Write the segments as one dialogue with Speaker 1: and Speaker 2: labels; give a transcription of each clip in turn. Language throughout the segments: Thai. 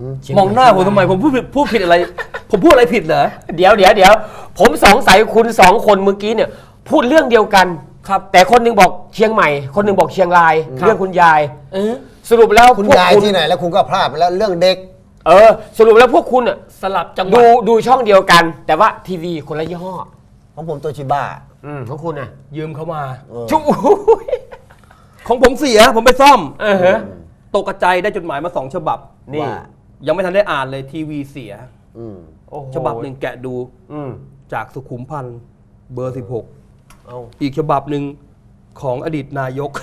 Speaker 1: มองหน้าผมทำไมผมพูดผิดอะไรผมพูดอะไรผิดเหรอ
Speaker 2: เดี๋ยวผมสงสัยคุณสองคนเมื่อกี้เนี่ยพูดเรื่องเดียวกัน
Speaker 1: ครับ
Speaker 2: แต่คนหนึงบอกเชียงใหม่คนหนึงบอกเชียงรายเรื่องคุณยายสรุปแล้ว
Speaker 3: คุณยายที่ไหนแล้วคุณก็พลาดไปแล้วเรื่องเด็ก
Speaker 2: สรุปแล้วพวกคุณอ่ะ
Speaker 1: สลับจังหวะ
Speaker 2: ดูช่องเดียวกัน แต่ว่าทีวีคนละยี่ห้อ
Speaker 3: ของผมโตชิบ้า
Speaker 2: ของคุณอ่ะ
Speaker 1: ยืมเข้ามา
Speaker 2: ชุบ
Speaker 1: ของผมเสียผมไปซ่อมตกกระจายได้จดหมายมา2 ฉบับ
Speaker 2: นี่
Speaker 1: ยังไม่ทันได้อ่านเลยทีวีเสียฉบับหนึ่งแกะดูจากสุขุมพันธ์เบอร์ 16อีกฉบับหนึ่งของอดีตนายก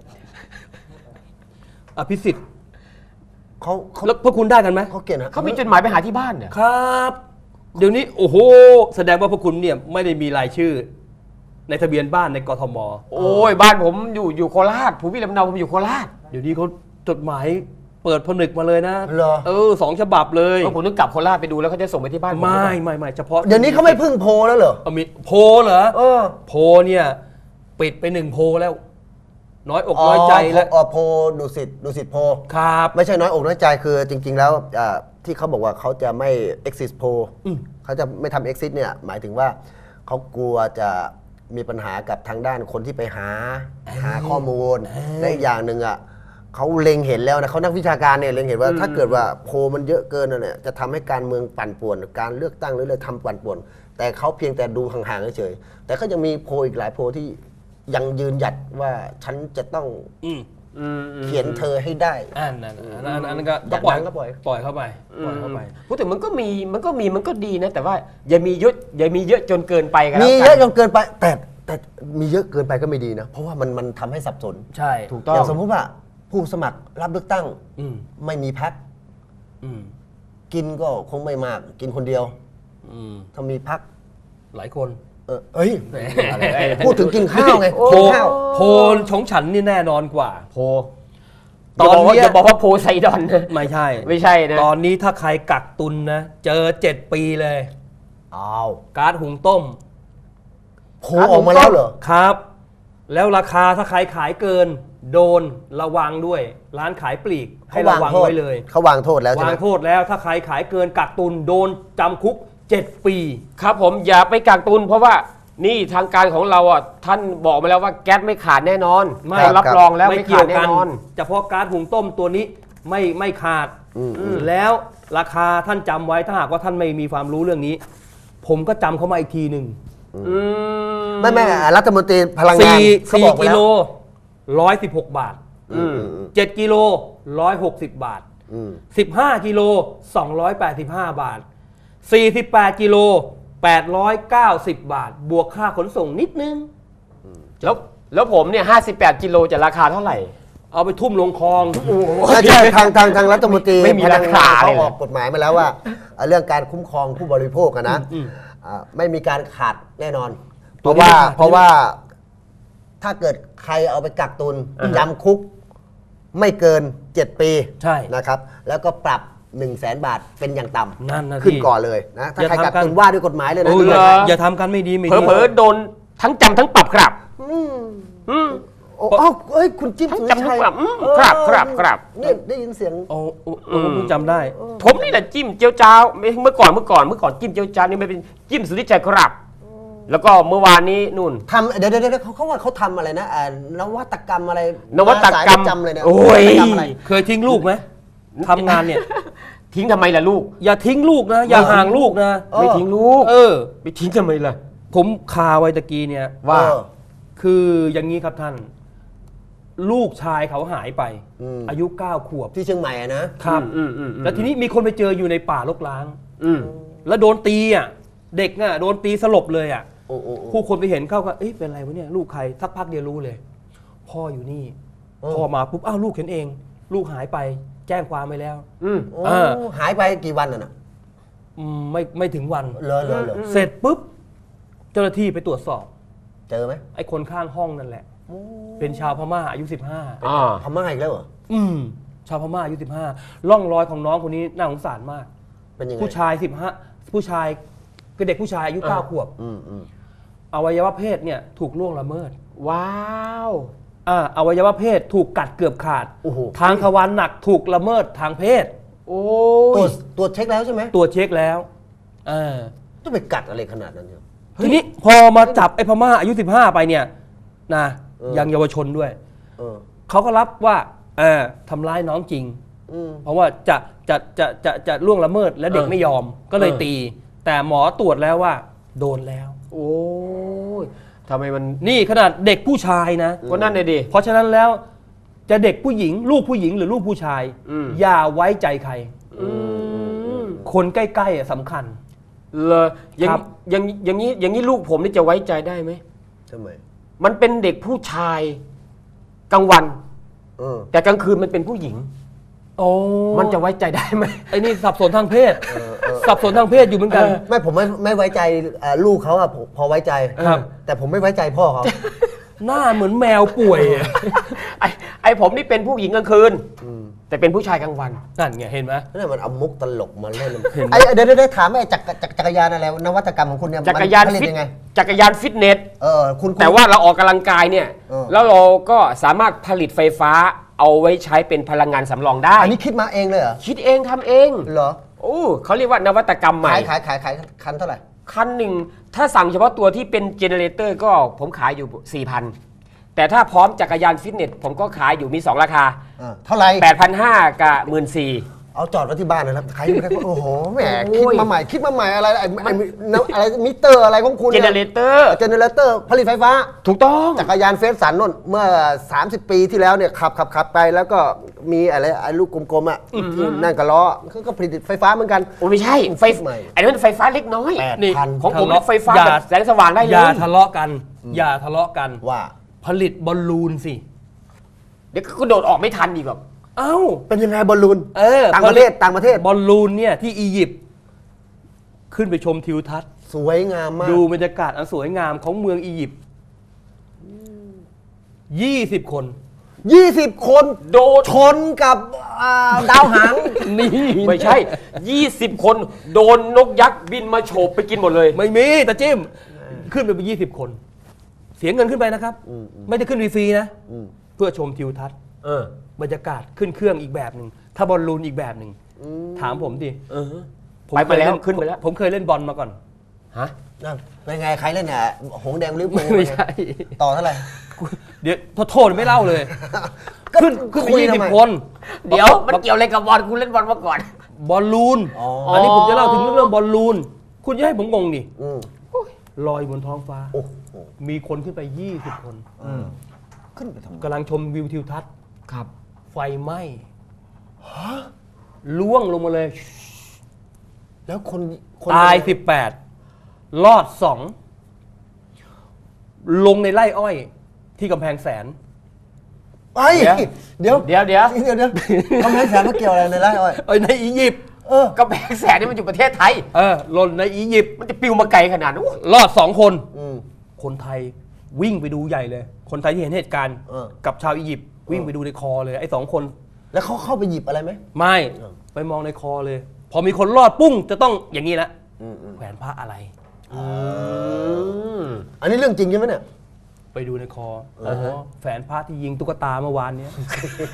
Speaker 1: อภิสิทธิ์แล้วพวกคุณได้กันไหม
Speaker 3: เขาเก่งนะ
Speaker 2: เขามีจดหมายไปหาที่บ้านเนี่ย
Speaker 1: ครับเดี๋ยวนี้โอ้โหแสดงว่าพวกคุณเนี่ยไม่ได้มีรายชื่อในทะเบียนบ้านในกทม
Speaker 2: โอ้ยบ้านผมอยู่โคราชภูมิลำเนาผมอยู่โคราช
Speaker 1: เดี๋ยวนี้เขาจดหมายเปิดผนึกมาเลยนะ2 ฉบับเลย
Speaker 2: ผมต้องกลับโคราชไปดูแล้วเขาจะส่งไปที่บ้าน
Speaker 1: ไม่เฉพาะ
Speaker 3: เดี๋ยวนี้เขาไม่พึ่งโพลแล้วเหรอ
Speaker 1: มีโพลเหรอโพลเนี่ยปิดไป1 โพลแล้วน้อยอกน้อยใจแล้ว
Speaker 3: โพลดุสิตโพล
Speaker 1: ครับ
Speaker 3: ไม่ใช่น้อยอกน้อยใจคือจริงๆแล้วที่เขาบอกว่าเขาจะไม่ exit poll เขาจะไม่ทำ exit เนี่ยหมายถึงว่าเขากลัวจะมีปัญหากับทางด้านคนที่ไปหาข้อมูลและอีกอย่างหนึ่งเขาเล็งเห็นแล้วนะเขานักวิชาการเนี่ยเล็งเห็นว่าถ้าเกิดว่าโพลมันเยอะเกินเนี่ยจะทำให้การเมืองปั่นป่วนการเลือกตั้งหรืออะไรทำปั่นป่วนแต่เขาเพียงแต่ดูห่างๆเฉยๆแต่ก็ยังมีโพลอีกหลายโพลที่ยังยืนหยัดว่าฉันจะต้องเขียนเธอให้ได้
Speaker 1: อันนั้นก็ปล่อยเข้าไป
Speaker 2: พูดถึงมันก็ดีนะแต่ว่าอย่ามีเยอะจนเกินไปกัน
Speaker 3: มีเยอะจนเกินไปแต่มีเยอะเกินไปก็ไม่ดีนะเพราะว่ามันทำให้สับสน
Speaker 1: ใช่
Speaker 3: ถูกต้องอย่างสมมติว่าผู้สมัครรับเลือกตั้งไม่มีพรรคกินก็คงไม่มากกินคนเดียวถ้ามีพรรค
Speaker 1: หลายคน
Speaker 3: พูดถึงกินข้าวไง
Speaker 1: โพลของฉันนี่แน่นอนกว่า
Speaker 2: โพตอนนี้อย่าบอกว่าโพไซดอน
Speaker 1: ไม่ใ
Speaker 2: ช่นะ
Speaker 1: ตอนนี้ถ้าใครกักตุนนะเจอ7 ปีเลยก๊าซหุงต้ม
Speaker 3: โพออกมาแล้วเหรอ
Speaker 1: ครับแล้วราคาถ้าใครขายเกินโดนระวังด้วยร้านขายปลีกให้ระวังไว้เลย
Speaker 3: เขาวางโทษแล้วใช่ไหม
Speaker 1: วางโทษแล้วถ้าใครขายเกินกักตุนโดนจำคุก7 ปี
Speaker 2: ครับผมอย่าไปกักตุนเพราะว่านี่ทางการของเราท่านบอกมาแล้วว่าแก๊สไม่ขาดแน่นอนไม่รับรองแล้วไม่ขาดแน่นอน
Speaker 1: เฉพาะก๊าซหุงต้มตัวนี้ไม่ขาดแล้วราคาท่านจำไว้ถ้าหากว่าท่านไม่มีความรู้เรื่องนี้ผมก็จำเข้ามาอีกทีหนึ่ง
Speaker 3: ไม่รัฐมนตรีพลังงานเขาบอก
Speaker 1: 4 กิโล116 บาท7 กิโล160 บาท15 กิโล285 บาท48 กิโล890 บาทบวกค่าขนส่งนิดนึง
Speaker 2: แล้วผมเนี่ย58 กิโลจะราคาเท่าไหร่
Speaker 1: เอาไปทุ่มลงคลอง
Speaker 3: ใช่ทางรัฐมนตรีไม่มีราคาเขาออกกฎหมายมาแล้วว่าเรื่องการคุ้มครองผู้บริโภคนะไม่มีการขาดแน่นอนเพราะว่าถ้าเกิดใครเอาไปกักตุนจำคุกไม่เกิน7 ปีนะครับแล้วก็ปรับ100,000 บาทเป็นอย่างต่ำขึ้นก่อนเลยนะถ้าใครกักตุนว่าด้วยกฎหมายเลยนะ
Speaker 1: อย่าทำกันไม่ดี
Speaker 2: เผลอโดนทั้งจำทั้งปรับครับ
Speaker 3: คุณจิ้ม
Speaker 2: ทั้งจำทั้งปรับครับ
Speaker 3: นี่ได้ยินเสียง
Speaker 1: คุณจำได้
Speaker 2: ผมนี่แหละจิ้มเจียวจ้าวเมื่อก่อนจิ้มเจียวจ้าวนี่ไม่เป็นจิ้มสุริชัยครับแล้วก็เมื่อวานนี้นู่น
Speaker 3: ทำเดี๋ยวเขาว่าเขาทำอะไรนะนวัตกรรมอะไร
Speaker 2: นวัตกรรม
Speaker 3: จำเลยนะ
Speaker 2: โอ้ย
Speaker 1: เคยทิ้งลูกไหมทำงานเนี่ย
Speaker 2: ทิ้งทำไมล่ะลูก
Speaker 1: อย่าทิ้งลูกนะอย่าห่างลูกนะ
Speaker 2: ไม่ทิ้งลูกไม่ทิ้งทำไมล่ะ
Speaker 1: ผมคาไว้ตะกี้เนี่ย
Speaker 2: ว่า
Speaker 1: คืออย่างนี้ครับท่านลูกชายเขาหายไปอายุ9 ขวบ
Speaker 3: ที่เชียงใหม่
Speaker 1: นะครับแล้วทีนี้มีคนไปเจออยู่ในป่ารกร้างแล้วโดนตีเด็กโดนตีสลบเลยผู้คนไปเห็นเข้าก็เป็นอะไรวะเนี่ยลูกใครสักพักเดียวรู้เลยพ่ออยู่นี่พ่อมาปุ๊บลูกเห็นเองลูกหายไปแจ้งความไปแล้ว
Speaker 3: หายไปกี่วันน่ะ
Speaker 1: ไม่ถึงวัน
Speaker 3: เลย
Speaker 1: เสร็จปุ๊บเจ้าหน้าที่ไปตรวจสอบ
Speaker 3: เจอไหม
Speaker 1: ไอ้คนข้างห้องนั่นแหละเป็นชาวพม่าอายุ
Speaker 3: 15พม่าอีกแล้วเหรอ
Speaker 1: ชาวพม่าอายุ15ร่องรอยของน้องคนนี้น่าสงสารมาก
Speaker 3: เป็นยังไง
Speaker 1: ผู้ชาย15ผู้ชายคือเด็กผู้ชายอายุ9 ขวบอวัยวะเพศเนี่ยถูกล่วงละเมิด
Speaker 2: ว้าว
Speaker 1: อวัยวะเพศถูกกัดเกือบขาดทางทวารหนักถูกละเมิดทางเพศ
Speaker 2: โอ้
Speaker 3: ตัวจเช็คแล้วใช่ไหม
Speaker 1: ตัวจเช็คแล้วา
Speaker 3: ต้องไปกัดอะไรขนาดนั้นเนี่ย
Speaker 1: ทีนี้พอมาจับไอ้พม่าอายุ15ไปเนี่ยนะยังเยาวชนด้วย
Speaker 3: เออ
Speaker 1: เขาก็รับว่าทำร้ายน้องจริง เพราะว่าจะล่วงละเมิดและเด็กไม่ยอมก็เลยตี แต่หมอตรวจแล้วว่าโดนแล้ว
Speaker 2: โอ้ยทำไมมัน
Speaker 1: นี่ขนาดเด็กผู้ชายนะ
Speaker 2: ก็นั่นเลยดิ
Speaker 1: เพราะฉะนั้นแล้วจะเด็กผู้หญิงลูกผู้หญิงหรือลูกผู้ชาย อย่าไว้ใจใคร คนใกล้ๆสำคัญ
Speaker 2: เลยอย่าง
Speaker 1: ครับ
Speaker 2: อย่างนี้ลูกผมนี่จะไว้ใจได้ไหม
Speaker 3: ทำไม
Speaker 2: มันเป็นเด็กผู้ชายกลางวัน
Speaker 3: เออ
Speaker 2: แต่กลางคืนมันเป็นผู้หญิง
Speaker 1: โอ้
Speaker 2: มันจะไว้ใจได้ไหม
Speaker 1: ไอ้นี่สับสนทางเพศ สับสนทางเพศอยู่เหมือนกัน
Speaker 3: ไม่ผมไม่ไว้ใจลูกเขาอะผมพอไว้ใจ
Speaker 1: ครับ
Speaker 3: แต่ผมไม่ไว้ใจพ่อเขา
Speaker 1: หน้าเหมือนแมวป่วยอะ
Speaker 2: ไอ้ผมนี่เป็นผู้หญิงกลางคืนแต่เป็นผู้ชายกลางวัน
Speaker 1: นั่นไงเห็นไหม
Speaker 3: นี่มันเอามุกตลกมาเล่น
Speaker 1: เห็นไหม
Speaker 3: เดี๋ยวถามไอ้จักรยานอะไรนวัตกรรมของคุณเนี่ย
Speaker 2: จักรยาน
Speaker 3: มัผลิต
Speaker 2: ฟิต
Speaker 3: ยังไง
Speaker 2: จักรยานฟิตเนส
Speaker 3: คุณ
Speaker 2: แต่ว่าเราออกกำลังกายเนี่ย
Speaker 3: เออ
Speaker 2: แล้วเราก็สามารถผลิตไฟฟ้าเอาไว้ใช้เป็นพลังงานสำรองได้
Speaker 3: อันนี้คิดมาเองเลยเหรอ
Speaker 2: คิดเองทำเอง
Speaker 3: เหรอ
Speaker 2: โอ้เขาเรียกว่านวัตกรรมใหม่
Speaker 3: ขายคันเท่าไหร่
Speaker 2: คันหนึ่งถ้าสั่งเฉพาะตัวที่เป็นเจเนเรเตอร์ก็ผมขายอยู่ 4,000 แต่ถ้าพร้อมจักรยานฟิตเนสผมก็ขายอยู่มี 2 ราคา
Speaker 3: เท่าไหร่
Speaker 2: 8,500 กับ 14,000
Speaker 3: เอาจอดไว้ที่บ้านเลยครับใครไม่ได้โอ้โหแหม
Speaker 2: โอ้ย
Speaker 3: คิดมาใหม่อะไรอะไรมิเตอร์อะไรของคุณ
Speaker 2: เจเนเรเตอร์
Speaker 3: เจเนเรเตอร์ผลิตไฟฟ้า
Speaker 2: ถูกต้อง
Speaker 3: จักรยานเฟสสันนนเมื่อ 30 ปีที่แล้วเนี่ยขับไปแล้วก็มีอะไรไอ้ลูกกลมๆอ่ะที่นั่นก็ล้อก็ผลิตไฟฟ้าเหมือนกัน
Speaker 2: โอ้ไม่ใช่ไฟ
Speaker 3: ใหม่
Speaker 2: ไอ้นั่นไฟฟ้าเล็กน้อย
Speaker 3: 8,000
Speaker 1: นี่
Speaker 2: ของผม
Speaker 1: ทะเลาะ
Speaker 2: ไฟฟ้า
Speaker 1: อย่า
Speaker 2: แบบแสงสว่างได้เล
Speaker 1: อย่าย ทะเลาะกัน อย่าทะเลาะกัน
Speaker 3: ว่า
Speaker 1: ผลิตบอลลูนสิ
Speaker 2: เดี๋ยวก็โดดออกไม่ทันอีกแบบ
Speaker 1: เอ้า
Speaker 3: เป็นยังไงบอลลูน
Speaker 1: ผ
Speaker 3: ต่างประเทศ
Speaker 1: บอลลูนเนี่ยที่อียิปต์ขึ้นไปชมทิวทัศน์
Speaker 3: สวยงามมาก
Speaker 1: ดูบรรยากาศอันสวยงามของเมืองอียิปต์20 คน
Speaker 3: 20 คนโดนชนกับดาวหาง
Speaker 1: นี่
Speaker 2: ไม่ใช่ 20 คนโดนนกยักษ์บินมาโฉบไปกินหมดเลย
Speaker 1: ไม่มีแต่จิ้มขึ้นไปเป็น20 คน เสียเงินขึ้นไปนะครับ ไม่ได้ขึ้นฟรีๆนะ เพื่อชมทิวทัศน์บรรยากาศขึ้นเครื่องอีกแบบหนึ่งถ้าบอลลูนอีกแบบหนึ่งถามผมดิผม
Speaker 2: ไปแล้ว
Speaker 1: เคย
Speaker 2: ขึ้นไปแล้ว
Speaker 1: ผมเคยเล่นบอลมาก่อน
Speaker 2: ฮะ
Speaker 3: นั่นเป็นไงใครเล่นเนี่ยหงส์แดงลิเวอร์พูล
Speaker 1: ไม่ใช่
Speaker 3: ต่อเท่าไหร่
Speaker 1: เดี๋ยวโทษไม่เล่าเลย ขึ้นไป
Speaker 3: คุยทำไม
Speaker 1: 20 คน
Speaker 2: เดี๋ยวมันเกี่ยวอะไรกับบอลกูเล่นบอลมาก่อน
Speaker 1: บอลลูน อันนี้ผมจะเล่าถึงเรื่องบอลลูน คุณจะให้ผมงงดิ
Speaker 3: อืม
Speaker 1: ลอยบนท้องฟ้า
Speaker 3: โอ้โห
Speaker 1: มีคนขึ้นไป 20 คน
Speaker 3: ขึ้นไปทำไม
Speaker 1: กำลังชมวิวทิวทัศน์
Speaker 2: ครับ
Speaker 1: ไฟไหม้ล่วงลงมาเลย
Speaker 3: แล้วคน
Speaker 1: ตาย 18 รอด 2 ลงในไร่อ้อยที่กำแพงแสน
Speaker 3: ไอ้เดี๋ยว
Speaker 2: เดี๋ยว
Speaker 3: ทำไมแสนมาเกี่ยวอะไรในไร่อ้อย
Speaker 1: ในอียิปต์
Speaker 2: ก็แบกแสนนี่มันอยู่ประเทศไทย
Speaker 1: หล่นในอียิปต์
Speaker 2: มันจะปิวมาไกลขนาดนั้น
Speaker 1: รอด 2 คน
Speaker 3: อืม
Speaker 1: คนไทยวิ่งไปดูใหญ่เลย คนไทยที่เห็นเหตุการณ์ กับชาวอียิปต์วิ่งไปดูในคอเลยไอ้2 คน
Speaker 3: แล้วเขาเข้าไปหยิบอะไรไหม
Speaker 1: ไม่ไปมองในคอเลย พอมีคนรอดปุ้งจะต้องอย่างนี้ละแขวนพระอะไร
Speaker 3: อันนี้เรื่องจริงใช่ไหมเนี่ย
Speaker 1: ไปดูในคออ๋อแฝนพระที่ยิงตุ๊กตาเมื่อวานเนี้ย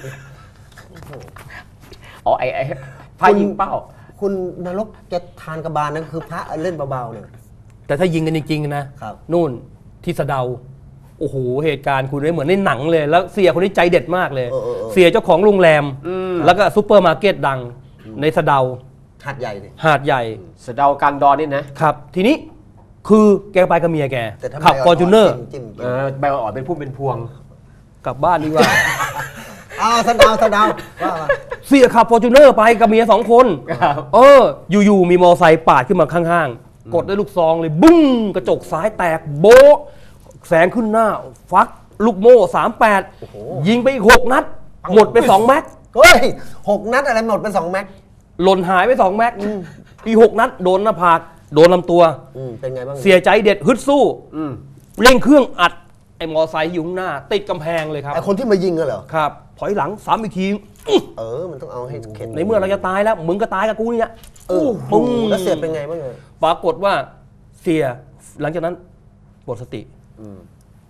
Speaker 2: อ๋อไอ้พายิงเป้า
Speaker 3: คุณนรกจะทานกระบาลนั่นคือพระเล่นเบาๆเนี่ย
Speaker 1: แต่ถ้ายิงกันจริงๆนะครับ นู่นที่สะเดาโอ้โหเหตุการณ์คุณได้เหมือนในหนังเลย แล้วเสียคนนี้ใจเด็ดมากเลย เสียเจ้าของโรงแรม แล้วก็ซุปเปอร์มาร์เก็ตดังในสะเดา
Speaker 3: หัดใหญ่ดิ
Speaker 1: หาดใหญ่
Speaker 2: สะเดากลางดอนนี่นะครับ
Speaker 1: ทีนี้คือแกไปกับเมียแก
Speaker 3: แต่ถ้า
Speaker 1: ขับฟอร์จูเนอร์
Speaker 3: จิ้ม
Speaker 2: ใบอ่อนเป็นพุ่มเป็นพวง
Speaker 1: กลับบ้านดีกว่า
Speaker 3: สะเดาว่ามา
Speaker 1: เสียขับฟอร์จูเนอร์ไปกับเมีย2 คน
Speaker 2: ครับ
Speaker 1: อยู่ๆมีมอไซค์ปาดขึ้นมาข้างๆ กดด้วยลูกซองเลยบุ้งกระจกซ้ายแตกโบ๊ะแสงขึ้นหน้า ฟักลูกโม่38 ยิงไปอีก6 นัด หมดไป2 แม็ก
Speaker 3: เฮ้ย6 นัดอะไรหมดเป็น2 แม็ก
Speaker 1: หล่นหายไป2 แม็กอีก6 นัดโดนหน้าผากโดนลำตัว
Speaker 3: เป็นไงบ้าง
Speaker 1: เสียใจเด็ดฮึดสู้เร่งเครื่องอัดไอ้มอไซค์อยู่ข้างหน้า ติดกำแพงเลยครับ
Speaker 3: ไอคนที่มายิงเหรอ
Speaker 1: ครับถอยหลังซ้ำอีกที
Speaker 3: มันต้องเอาให้เข็ด
Speaker 1: ในเมื่อเราจะตายแล้วมึงก็ตายกับกูเนี่ย
Speaker 3: ปุ้งแล้วเสียเป็นไงบ้างเลย
Speaker 1: ปรากฏว่าเสียหลังจากนั้นหมดสติ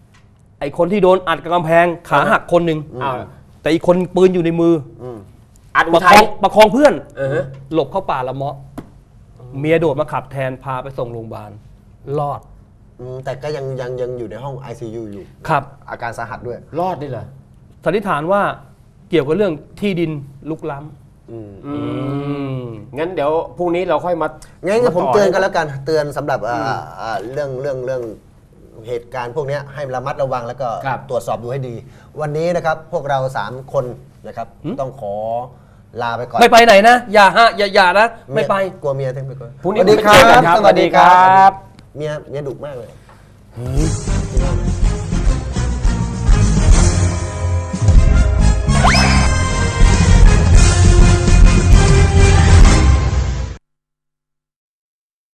Speaker 1: ไอ้คนที่โดนอัดกับกำแพงขาหักคนหนึ่ง
Speaker 2: อ้าว
Speaker 1: แต่อีกคนปืนอยู่ในมือ
Speaker 2: อัดอุ
Speaker 1: ประ
Speaker 2: ทั
Speaker 1: คอย งประคองเพื่อน
Speaker 2: ฮะ
Speaker 1: หลบเข้าป่าละเมาะเมียโดดมาขับแทนพาไปส่งโรงพยาบาลรอด
Speaker 3: แต่ก็ยังอยู่ในห้อง ICU อยู่
Speaker 1: ครับ
Speaker 3: อาการสาหัสด้วย
Speaker 2: รอดได้เหรอ
Speaker 1: สันนิษฐานว่าเกี่ยวกับเรื่องที่ดินลุกล้ำ
Speaker 3: อืม
Speaker 2: งั้นเดี๋ยวพรุ่งนี้เราค่อยมา
Speaker 3: งั้น
Speaker 2: า
Speaker 3: ผม
Speaker 2: ต่
Speaker 3: เตือนกันแล้วกันเตือนสำหรับเรื่องเหตุการณ์พวกเนี้ยให้ระมัดระวังแล้วก็
Speaker 2: ครับ
Speaker 3: ตรวจสอบดูให้ดี วันนี้นะครับพวกเรา 3 คนนะครับต้องขอลาไปก่อน
Speaker 1: ไม่ไปไหนนะ อย่านะ ไม่ไป
Speaker 3: กลัวเมียทั้งไปก่อน
Speaker 2: พรุ่งนี้
Speaker 3: สวัสดีครั
Speaker 2: ไปเจอกัน
Speaker 3: บ
Speaker 2: ครับ
Speaker 3: สวัสดีครั
Speaker 2: สวัสดีครับ บ
Speaker 3: เมียดุมากเลย